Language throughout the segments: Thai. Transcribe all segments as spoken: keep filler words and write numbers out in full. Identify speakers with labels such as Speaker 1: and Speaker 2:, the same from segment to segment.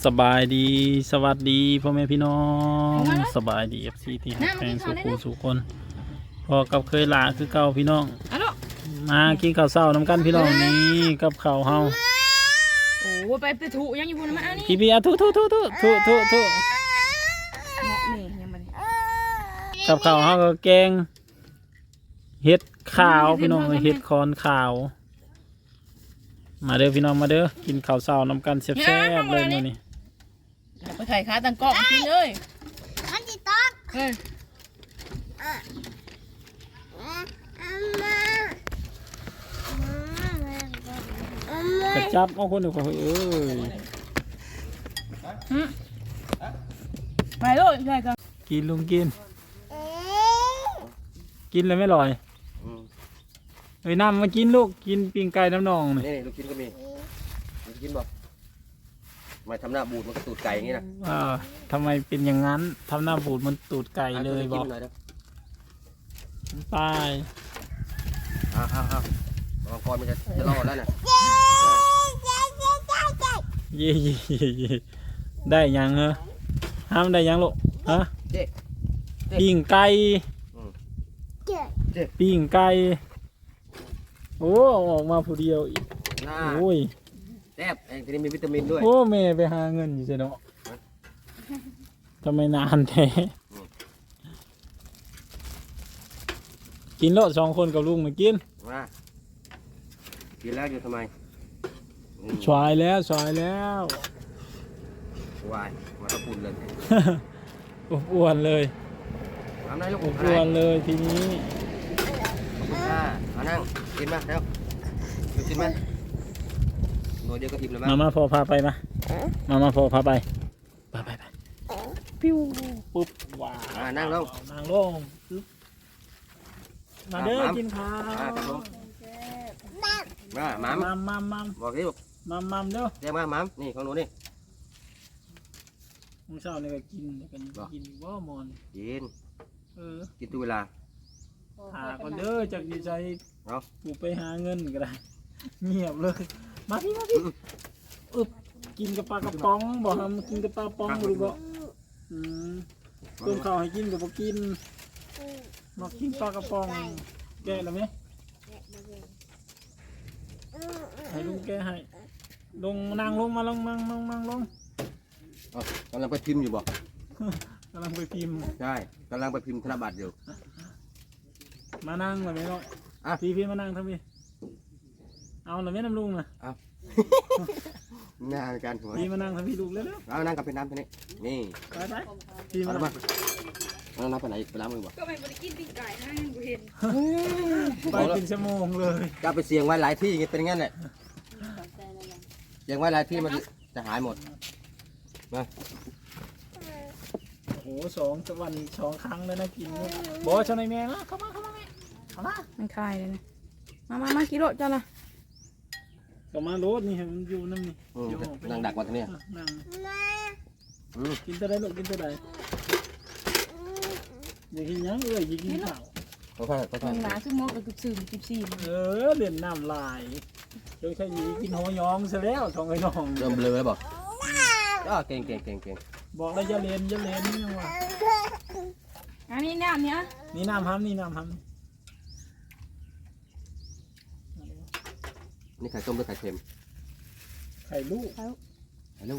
Speaker 1: สบายดีสวัสดีพ่อแม่พี่น้องสบายดีเอฟซีที่หักแพงสุขุสุคนพอกับเคยลาคือเก่าพี่น้องมากินข้าวเช้าน้ำกันพี่น้องนี่กับข้าวเฮา
Speaker 2: โอ้ไปไปถูยังอยู่บนมาอันนี้
Speaker 1: พี่พี่อะทุทุทุทุทุทุทุ
Speaker 2: นี่ยังมัน
Speaker 1: กับข้าวเฮาก็แกงเห็ดขาวพี่น้องเห็ดคอนขาวมาเด้อพี่น้องมาเด้อกินข้าวเช้าน้ำกันแซ่บๆเลยมื้อนี้
Speaker 2: ไปไข่ขาตังกล้องกินเลย
Speaker 3: อันที่ต๊อก
Speaker 2: เอ้ย
Speaker 1: กระจับเอาคนเดียวก็เอ้ย
Speaker 2: ไปเลยใช่กัน
Speaker 1: กินลุงกินกินเลยไม่ลอยเฮ้ยน้ำมากินลูกกินปิ้งไก่น้ำนอง
Speaker 4: นี่นี่ลูกกินก็มีลูกกินบอกมาทำหน้าบูดมันก็ตูดไก่อย่างนี้นะ
Speaker 1: อ่าทำไมเป็นอย่างนั้นทำหน้าบูดมันตูดไก่เลยบอกไป
Speaker 4: อ้าวอ้าวอ้าวมังกรมันจะจะรอดแล้วน่ะ
Speaker 1: เย่เย่เย่ได้ยังเหรอห้ามได้ยังลูกฮะปิ้งไก่ปิ้งไก่โอ้ออกมาผู้เดียวอีกโอ้ย
Speaker 4: แซ่บเองทีนี้มีวิตามินด้วย
Speaker 1: โอ้แม่ไปหาเงินอยู่ใช่เนาะทำไมนานแท้กินโลดสองคนกับลุงมากิน
Speaker 4: มากินแล้วอยู่ทำไม
Speaker 1: ชวายแล้วชวายแล้ว
Speaker 4: วายมาตะปุ่นเลย
Speaker 1: อ้วนเลย
Speaker 4: ทำได้ลูก
Speaker 1: อ้วนเลยทีนี้
Speaker 4: อ่ามานั่งกินมาแล้วกินมาหน่อยเดียวก็อิ่มแล้วมั้ง
Speaker 1: มามาพอพาไปมามามาพอพาไปไปไปไปปิ้วปุ๊บว้า
Speaker 4: นั่งลง
Speaker 1: นั่งลงมาเด้อกินข้าว
Speaker 4: มามัม
Speaker 1: มัมมัมมัม
Speaker 4: บอกดิบอก
Speaker 1: มัมมัมเด้อ
Speaker 4: เรียกมามัมนี่ของหนูนี่
Speaker 1: มื้อเช้านี่ก็กินกันกินบ่มอน
Speaker 4: กิน
Speaker 1: เออ
Speaker 4: กินทุกเวลา
Speaker 1: หาก่อนเด้อจากดีใจเอากูไปหาเงินก็ได้เงียบเลยมาพี่มาพี่อึบกินกับปลากระป๋องบอกทำกินกับปลาป๋องหรือเปล่าอืมต้มข้าวให้กินกับบ่กินมากินปลากระป๋องแกะแล้วไหมให้ลุงแกะให้ลงนั่งลงมาลงนั่งนั่งนั่งลง
Speaker 4: กำลังไปพิมพ์อยู่บ่
Speaker 1: กำลังไปพิมพ์
Speaker 4: ใช่กำลังไปพิมพ์ธนบัตรอยู่
Speaker 1: มานั่งเลยไหมน้องพี่พี่มานั่งทั้งพี่เอาหน่อยไหมน้ำลุงนะ
Speaker 4: เอางานการหัว
Speaker 1: พี่มานั่งทั้งพี่ลุงเลย
Speaker 4: เอานั่งกับเป็นน้ำทีนี้นี่
Speaker 1: ไปไปพี่มา
Speaker 4: มาเอาน้ำไปไหนไปล้างมือบ่
Speaker 2: ก็ไม่ได้กินปิ้งไก่นะกูเห็น
Speaker 1: ไปเป็นชั่วโมงเลย
Speaker 4: จะไปเสี่ยงไว้หลายที่อย่างเงี้ยเป็นงั้นแหละเสี่ยงไว้หลายที่มันจะหายหมดมา
Speaker 1: โอ้สองวันสองครั้งแล้วนะกินบอกชาวในแม่นะเข้ามาเข้ามาแม่เข้ามา
Speaker 2: มันคลายเลยนะมามามากิโลจ้าละ
Speaker 1: ก็มารถนี่มันอยู่นั่นนี่
Speaker 4: นั่งดักวันนี้
Speaker 1: นั่งกินตัวใดลูกกินตัวใดอย่ากินยังเอ้ยอย่ากินข้าว
Speaker 4: เขาค่อยเขาค่อย
Speaker 2: หนาซึ่งมดกับสื่อสิบสี่
Speaker 1: เออเด่นน้ำลายโดยใช้ยีกินหัวยองซะแล้วทองไอ้น้อง
Speaker 4: เริ่มเบลอแล้วบอกก็เก่งเก่งเก่งเก่ง
Speaker 1: บอกแล้วจะเล่นจะเล่นนี่ยังวะ
Speaker 2: อันนี้น้ำเนี้ย
Speaker 1: นี่น้ำห้ำนี่น้ำห้ำ
Speaker 4: นี่ไข่ต้มหรือไข่เค็ม
Speaker 1: ไข่ลูก
Speaker 4: ไข่ลูก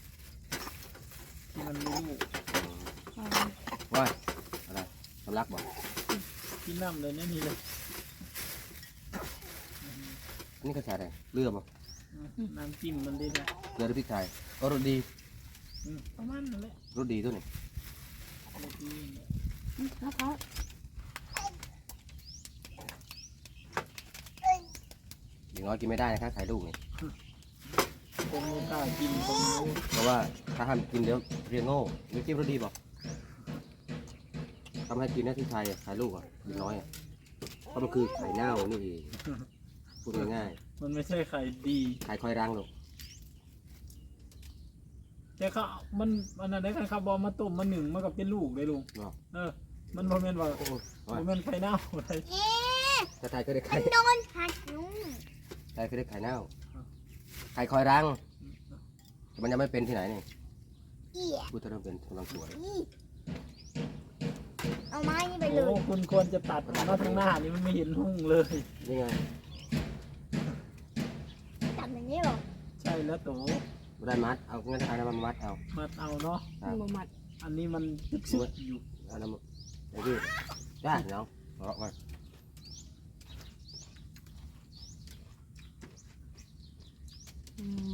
Speaker 1: มันลูก
Speaker 4: ว่าอะไรสำลักบอก
Speaker 1: กินน้ำเลยนี่นี่เลย
Speaker 4: นี่กระชายอะไรเลือดมั้ง
Speaker 1: น้ำจิ้มมันดีนะ
Speaker 4: เลือดพริกไทยก็รสดี
Speaker 1: ประมาณนั้นแหละ
Speaker 4: รสดีตัวนี้อย่างน้อยกินไม่ได้นะครับไข่ลูกนี่
Speaker 1: ผมไม่กล้ากินผม
Speaker 4: เพราะว่าถ้าทำกินเดี๋ยวเรียงโง่ไม่กินรสดีบอกทำให้กินได้ที่ไทยไข่ลูกอ่ะกินน้อยอ่ะเพราะมันคือไข่เน่านี่เองพูดง่าย
Speaker 1: ๆมันไม่ใช่ไข่ดี
Speaker 4: ไข่คอยรังหรอก
Speaker 1: แต่เขามันมันอะไรกันครับบอมาต้มมาหนึ่งมากับเป็นลูกเลยลุงเออมันโมเมนต์ว่าโมเมนต์ไข่เน่าอะไร
Speaker 4: ถ้าไทยก็ได้ไข่
Speaker 3: โดนผัดลุง
Speaker 4: ไทยก็ได้ไข่เน่าไข่คอยรังมันยังไม่เป็นที่ไหนเนี่ย
Speaker 3: เอี่ย
Speaker 4: พูดถึงเป็นกำลังสวย
Speaker 3: นี่เอาไม้นี่ไปเล
Speaker 1: โอ้
Speaker 3: ย
Speaker 1: คุณควรจะตัดมาทางหน้านี่มันไม่เห็นหุ่งเลย
Speaker 4: นี่ไง
Speaker 3: จับอย่างนี้เหรอ
Speaker 1: ใช่แล้วโต
Speaker 4: ไม่ได้มัดเอางั้นเอาน้ำมันมัดเอา
Speaker 1: มัดเอาเนาะ
Speaker 2: มันบ่มัด
Speaker 1: อันนี้มันตึกซึกอยู่
Speaker 4: เอาน้ำมันไอ้พี่จ้าเนาะเอาไว้
Speaker 2: อืม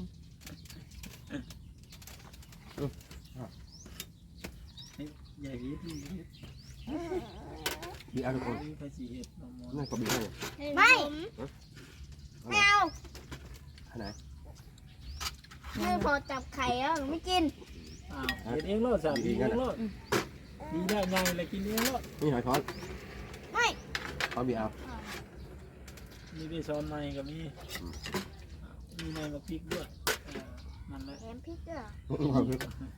Speaker 1: ใหญ่วิทย์นี่วิทย์
Speaker 4: บีเอาทุกคน
Speaker 1: นี่ภาษีเอ็ดน้องมอ
Speaker 4: นั่นก็บีให้เลย
Speaker 3: ไม่ไม่เอา
Speaker 4: อันไหน
Speaker 3: ไม่พอจับไข่แล้วหนูไม่กิน
Speaker 1: อ้าวเอ็ดเองโลดสามดีเองโลดดีได้ไงเลยกินเองโลด
Speaker 4: นี่หอยช้อน
Speaker 3: ไม่
Speaker 4: ช้อนบีเอา
Speaker 1: มีได้ซ้อนในกับมีมีในกับพริกด้วยนั่นแหละ
Speaker 3: แถมพริกด้วย
Speaker 4: ขอพริก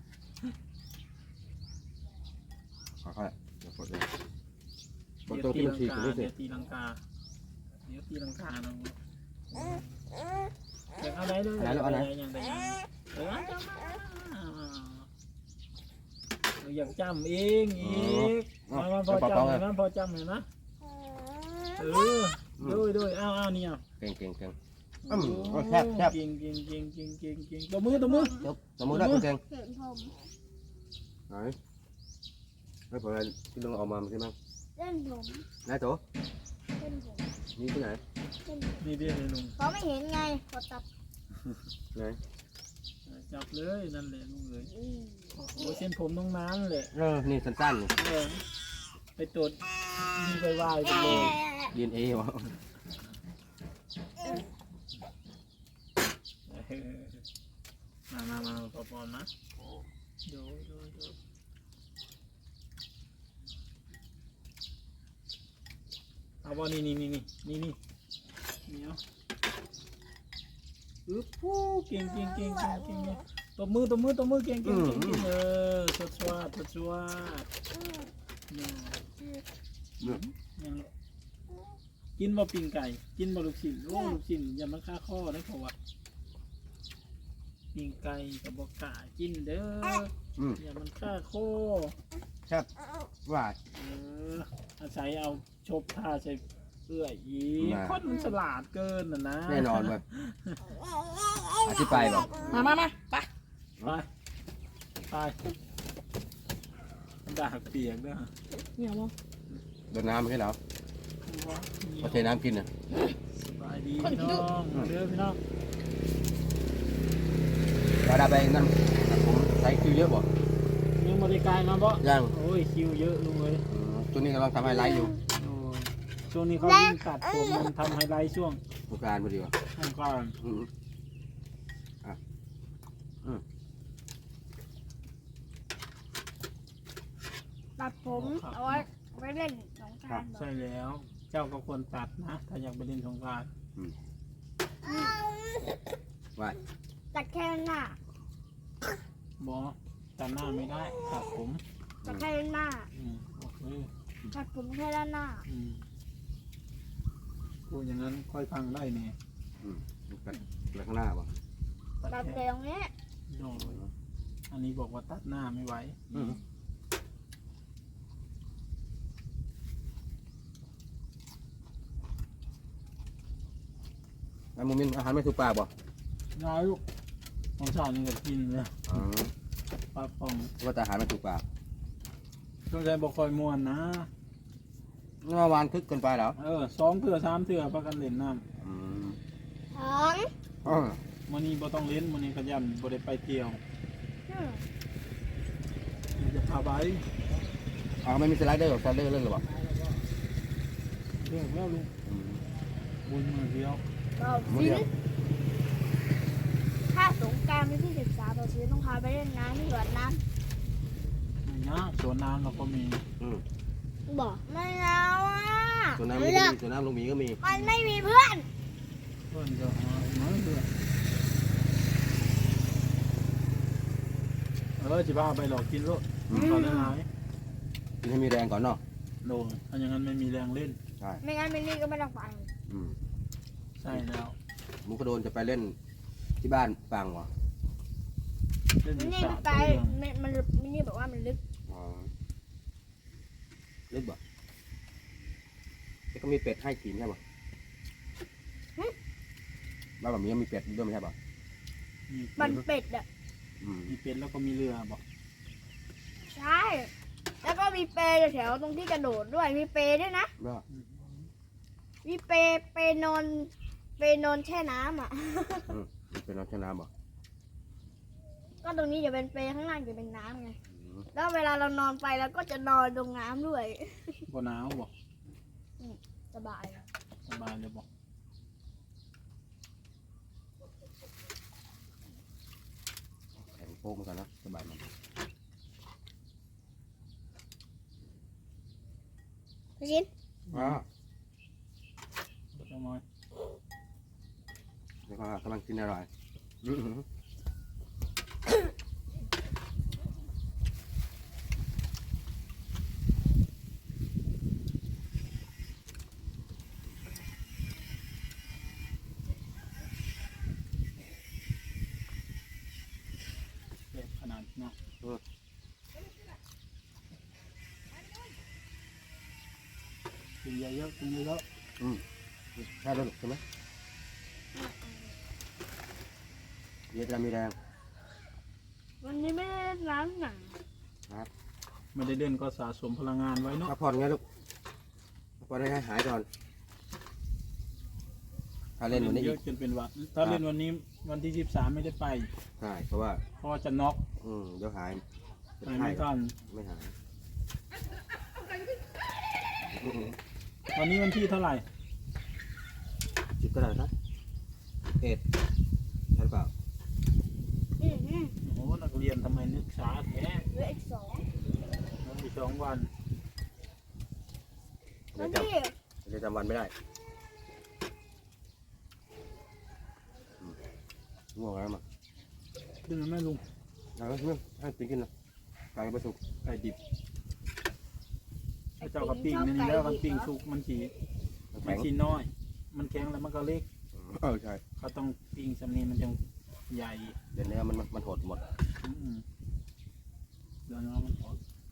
Speaker 4: ขอค่อยเดี๋ยวกดเลยกด
Speaker 1: เดี๋ยว
Speaker 4: ตัว
Speaker 1: ตี
Speaker 4: ที่
Speaker 1: ลั
Speaker 4: มัน
Speaker 1: ง
Speaker 4: ฉีก
Speaker 1: กา
Speaker 4: ตรงนี้สิ
Speaker 1: เดี๋ยวตีลังกาเดี๋ยวตีลังกาน้องอยากเอาได้เลยอย่างใดอย่างเออจะมาอยากจำเองอีกมามาพอจำเห็นไหมพอจำเห็นไหมเออด้วยด้วยอ้าวอ้าวนี่อ่ะ
Speaker 4: เก่งเก่งเก่งอืมแซ่บแซ่บ
Speaker 1: เก่งเก่งเก่งเก่งเก่งเก่งตัวมือตัวมือ
Speaker 4: จบสมมติได้คุณเก่ง
Speaker 3: เห็นผม
Speaker 4: ไหนไม่พอเลยที่ลงออกมาใช่ไหม
Speaker 3: เล่นผม
Speaker 4: นายโต
Speaker 3: เล่นผม
Speaker 4: นี่ที่ไหน
Speaker 3: เล่นผม
Speaker 1: นี่เบี้ยเลยลุง
Speaker 3: เขาไม่เห็นไงพอจับ
Speaker 4: ไหน
Speaker 1: จับเลยนั่นแหละลุงเลยโอ้เส้นผมน้องน้ำเลย
Speaker 4: เออนี่สั้นๆนี่
Speaker 1: เออไปตรวจมีไปไหว้ไปเลย
Speaker 4: ดีเอ็นเอวะ
Speaker 1: มามามาปอปอนมาดูดูดูเอาบอนี่นี่นี่นี่นี่นี่นี่เอาอึ๊บผู้เก่งเก่งเก่งเก่งเก่งตบมือตบมือตบมือเก่งเก่งเก่งเก่งเออสดสวัสดสดสวัสดเนี่ยยังกินบะปิ้งไก่กินบะลูกชิ้นโอ้ลูกชิ้นอย่ามาฆ่าข้อได้เพราะว่าปิ้งไก่กับบะกะกินเด้อ
Speaker 4: อืม
Speaker 1: อย่ามันฆ่าโค
Speaker 4: แซ่บหวาน
Speaker 1: เอออาศัยเอาชบท่าใส่เอื้อยอีก
Speaker 4: น่ะ
Speaker 1: คนมันฉลาดเกินน่ะนะ
Speaker 4: แน่นอนเลยอธิบายบอก
Speaker 2: มามามาไป
Speaker 1: ไปไปด่าเปียกด้วย
Speaker 2: เนี่ยบ่
Speaker 4: โดนน้ำไม่ใช่เหรอพอเทน้ำกินน่ะ
Speaker 1: สบายดีพี่น้องเด้อพี่น้อง
Speaker 4: เราได้ไปนั่นผมใช้คิวเยอะบ่
Speaker 1: ยังบริการมาบ่
Speaker 4: ยัง
Speaker 1: โอ้ยคิวเยอะลุงเลย
Speaker 4: อืมตัวนี้กำลังทำไฮไลท์อยู่
Speaker 1: โอ้ยช่วงนี้เขายิ่งตัดผมมันทำไฮไลท์ช่วง
Speaker 4: โครงการพอดีว่ะ
Speaker 1: สงกรานต์
Speaker 4: อืมอ่ะอืม
Speaker 3: ตัดผมเอาไว้เอาไว้เล่นสงกรานต์
Speaker 1: ใช่แล้ว เจ้าก็ควรตัดนะ ถ้าอยากไปเล่นสงกรานต์
Speaker 4: ไหว
Speaker 3: ตัดแค่หน้า
Speaker 1: บอตัดหน้าไม่ได้ตัดผม
Speaker 3: ตัดแค่หน้า
Speaker 1: อืมโอเค
Speaker 3: ตัดผมแค่ด้านหน้า
Speaker 1: อืมพูดอย่างนั้นค่อยฟังได้เนี่ย
Speaker 4: อืมกันไปข้างหน้าบ่
Speaker 3: ตัดแต่ตรงนี้
Speaker 1: โดยอันนี้บอกว่าตัดหน้าไม่ไหว
Speaker 4: อืมไอ้โมมินอาหารไม่ถูกปากบ่
Speaker 1: น้อยลูกของชาวนี่ก็กินเลย
Speaker 4: อ๋อ
Speaker 1: ปลาปอง
Speaker 4: ว่าแต่อาหารไม่ถูกปาก
Speaker 1: ช่วงใจบอกคอยมวนนะ
Speaker 4: เมื่อวานคึกเกินไปเหรอ
Speaker 1: เออสองเถื่อสามเถื่อพักกันเล่นน้
Speaker 4: อืม
Speaker 3: สอง
Speaker 4: อ๋อ
Speaker 1: ำมันนี้บ่ต้องเล่นมันนี้ขยันบ่ได้ไปเที่ยว
Speaker 3: อืม
Speaker 1: มันจะพาไป
Speaker 4: อ๋อไม่มีสไลเดอร์หรอสไลเดอร์เล่นหรือเปล่า
Speaker 1: เรื่องแล้วลุง
Speaker 4: อืม
Speaker 1: บุญมือเดียว
Speaker 3: เรา
Speaker 4: มื้อ
Speaker 3: ซิ
Speaker 4: เดียว
Speaker 3: ถ้าสงกรารวันที่สิบสามเราซื้อต้องพาไปเล่นน้ำที่สวนน้
Speaker 1: ไม่ยากสวนน้ำเราก็มี
Speaker 4: อืม
Speaker 3: ำบอกไม่เอาอ่ะ
Speaker 4: ส่วนน้ำมี
Speaker 3: เลื
Speaker 4: ก็
Speaker 3: อก
Speaker 4: มีส่วนน้ำลงหมีก็มี
Speaker 3: มันไม่มีเพื่อน
Speaker 1: เพื่อนจะหามาเพื่อนเออจะพาไปหลอกกินรถตอนนั้นหาย
Speaker 4: กินให้มีแรงก่อนเนาะ
Speaker 1: โดนถ้าอย่างนั้นไม่มีแรงเล่น
Speaker 4: ใช่
Speaker 3: ไม่งั้นมินนี่ก็ไม่ต้องไป
Speaker 4: อืม
Speaker 1: ใช่แล้ว
Speaker 4: มุกกระโดนจะไปเล่นที่บ้านฟังวะ
Speaker 1: เล่น
Speaker 3: มัน
Speaker 1: ที่
Speaker 3: นี่
Speaker 1: สา
Speaker 3: มัน
Speaker 1: ม
Speaker 3: ไป
Speaker 1: ตัว
Speaker 3: มันมันมันนี่บอกว่ามันลึก
Speaker 4: อ๋อลึกบ่แล้วก็มีเป็ดให้กินใช่ป่ะบ้านแบบนี้มีเป็ดด้วยไม่ใช่ป่ะ
Speaker 1: มี
Speaker 3: มันเป็ดอ่ะ
Speaker 4: อืม
Speaker 1: มีเป็ดแล้วก็มีเรือบอก
Speaker 3: ใช่แล้วก็มีเปรย์แถวตรงที่กระโดดด้วยมีเปรย์ด้วยนะ
Speaker 4: ว่า
Speaker 3: มีเปรย์เปรย์นอนเปรย์นอนแช่น้ำอ่ะ
Speaker 4: อืมเป็นน้ำแช่น้ำบ่
Speaker 3: ก็ตรงนี้จะเป็นเปรย์ข้างล่างจะเป็นน้ำไง
Speaker 4: อืม
Speaker 3: แล้วเวลาเรานอนไปเราก็จะนอนตรงน้ำด้วย
Speaker 1: บ่หนาวบอก
Speaker 3: สบาย
Speaker 1: สบายเลยบอก
Speaker 4: แข็งโป๊กเหมือนกันนะสบายมัน
Speaker 3: พี่ชิน
Speaker 4: ว้า
Speaker 1: จังน้อย
Speaker 4: แล้วก็กำลังกินอร่อยอืม
Speaker 1: เจ็บขนาดเนาะกินเยอะๆกินเยอะ
Speaker 4: อืมใช่แล้วลูกใช่ไหมเดี๋ยวจะมีแรง
Speaker 3: วันนี้ไม่ได้เล่นน้ำหนัง
Speaker 1: ๆไม่ได้เล่นก็สะสมพลังงานไว้เนาะ
Speaker 4: พักผ่อนไงลูกพักผ่อนให้หายก่อนถ้าเล่นวันนี้
Speaker 1: เย
Speaker 4: อี
Speaker 1: อะ
Speaker 4: ก
Speaker 1: จนเป็นหวัดถ้าเล่นวันนี้วันที่สิบสามไม่ได้ไป
Speaker 4: ใช่เพราะว่า
Speaker 1: เพราะว่าจะน็อก
Speaker 4: อืมเดี๋ยวหายเป็น
Speaker 1: ไป
Speaker 4: ไข้
Speaker 1: ไม่ทัน
Speaker 4: ไม่หาย
Speaker 1: วันนี้วันที่เท่าไหร่
Speaker 4: จิตก็ได้นะเอ็ดใช่หรือเปล่า
Speaker 3: อืมอืม
Speaker 1: โอ้โหนักเรียนทำไมนึกช้าแท้
Speaker 3: เหลืออีกสอง
Speaker 1: มันอีกสองวัน
Speaker 4: เดี๋
Speaker 3: แล้
Speaker 4: ยว วจ
Speaker 3: นี่
Speaker 4: ำเดี๋ยวจำวันไม่ได้อืมง่วงแล้วมั้ง
Speaker 1: ขึ้นมาแม่ลุง
Speaker 4: เอาแล้วเนี่ยให้กินกินนะไก่ไปสุก
Speaker 1: ไก่ดิบไอ้เจ้ากระปิ้งนี่แล้วมันปิ้งสุกมันสี
Speaker 4: มัน
Speaker 1: มั
Speaker 4: แข็
Speaker 1: น
Speaker 4: ง
Speaker 1: สีน้อย มันแข็งแล้วมันก็เล็ก
Speaker 4: เออใช่
Speaker 1: เขาต้องปิ้งสำนีมันจะใหญ่
Speaker 4: เดี๋ยวเนื้อมันมันมันหดหมด
Speaker 1: อืมเดี๋ยวน้องมันออก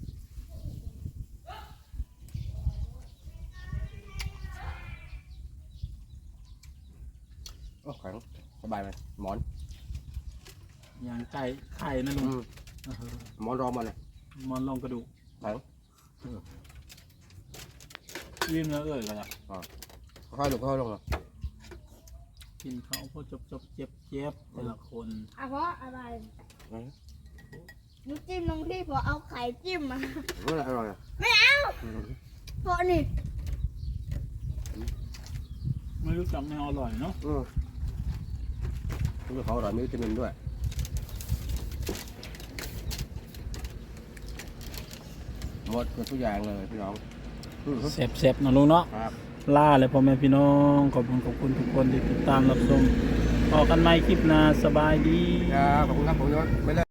Speaker 4: โอ้แข็งสบายไหมหมอน
Speaker 1: อย่างไก่ไข่นะลุง
Speaker 4: อืม
Speaker 1: เออ
Speaker 4: หมอนรองมาเลย
Speaker 1: มอนลองกระดูก
Speaker 4: แข็ง
Speaker 1: วิ่งแล้วเอ่ยก็จะ
Speaker 4: ค่อยๆลงค่อยๆลงเลย
Speaker 1: กินเขาพอจบจบเจ็บเจ็บแต่ละคน
Speaker 3: อ่ะเพราะอะไรน้ำจิ้มตรงที่พอเอาไข่จิ้มมา
Speaker 4: เมื่อไรอร่อยอ่ะ
Speaker 3: ไม่เอาเพราะนี่
Speaker 1: ไม่รู้จักแนวอร่อยเนาะ
Speaker 4: อืมนี่เขาอร่อยมีวิตามินด้วยหมดทุกอย่างเลยพี่น้องอืม
Speaker 1: เสบเสบๆนะลุงเนาะ
Speaker 4: ครับ
Speaker 1: ล่าเลยพ่อแม่พี่น้องขอบคุณขอบคุณทุกคนที่ติดตามรับชมพอกันใหม่คลิปหน้าสบายดี
Speaker 4: ครับขอบคุณครับผมยศไม่เลิก